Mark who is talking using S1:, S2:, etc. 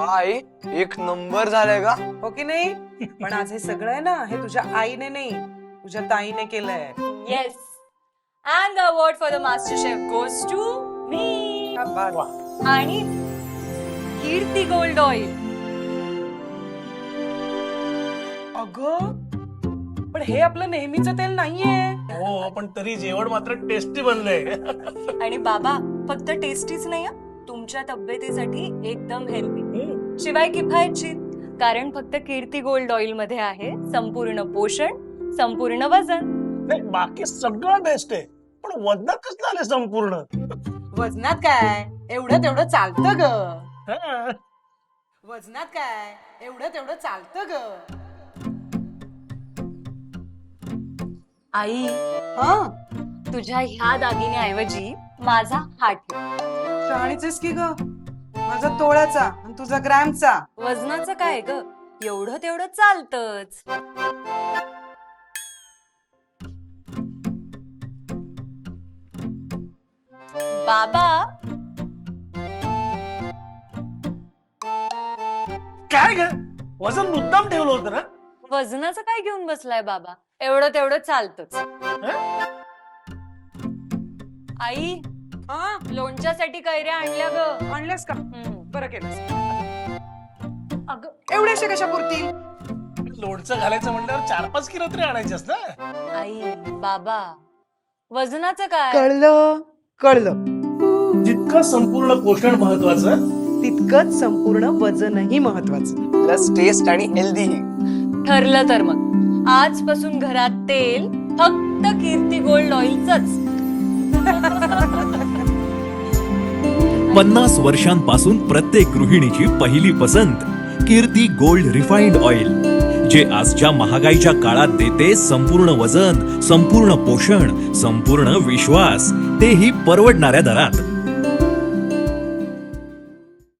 S1: आई एक नंबर झालाय का?
S2: हो की नाही? पण आज हे सगळं आहे ना, हे तुझ्या आईने नाही, तुझ्या ताईने केलंय.
S3: Yes. And the award for the Master Chef goes to me.
S2: शाबास.
S3: आणि कीर्ती गोल्ड ऑइल.
S2: अगं पण हे आपलं नेहमीचं तेल नाहीये.
S4: हो पण तरी जेवण मात्र टेस्टी बनलंय.
S3: आणि बाबा फक्त टेस्टीच नाही हं, तुमच्या तब्येतीसाठी एकदम हेल्दी. शिवाय किफायतशीर. कारण फक्त कीर्ती गोल्ड ऑइल मध्ये आहे संपूर्ण पोषण, संपूर्ण वजन.
S4: नाही बाकी सगळं बेस्ट आहे पण वजनात कसं आलं संपूर्ण.
S2: वजनात काय एवढं तेवढं चालतं ग.
S4: हा.
S2: वजनात काय एवढं तेवढं चालतं ग.
S3: आई
S2: हा
S3: तुझ्या ह्या दागिन्याऐवजी माझा हा ठेव.
S2: शहाणीच की ग. माझा तोळाचा आणि तुझा ग्रॅमचा.
S3: वजनाचं काय ग, एवढं तेवढं चालतच. बाबा
S4: काय ग वजन मुद्दाम ठेवलं होतं ना.
S3: वजनाचं काय घेऊन बसलाय बाबा, एवढं तेवढं चालतच. आई
S2: हा
S3: लोणच्यासाठी कैऱ्या आणल्या ग.
S2: आणल्यास का?
S3: हम्म.
S2: बरं केलंस.
S3: अगं
S2: एवढ्याशा कशा पुरतील?
S4: लोणचं घालायचं म्हणल्यावर 4-5 किलो तरी आणायचंच ना.
S3: आई बाबा वजनाचं काय.
S2: कळलं कळलं.
S4: जितकं संपूर्ण पोषण महत्वाचं
S2: तितकंच संपूर्ण वजनही महत्वाचं.
S1: प्लस टेस्ट आणि हेल्दी.
S3: ठरलं तर मग आजपासून घरात तेल फक्त कीर्ती गोल्ड ऑइलच.
S5: 50 वर्षांपासून प्रत्येक गृहिणीची पहिली पसंत कीर्ती गोल्ड रिफाइंड ऑइल, जे आजच्या महागाईच्या काळात देते संपूर्ण वजन, संपूर्ण पोषण, संपूर्ण विश्वास, तेही परवडणाऱ्या दरात.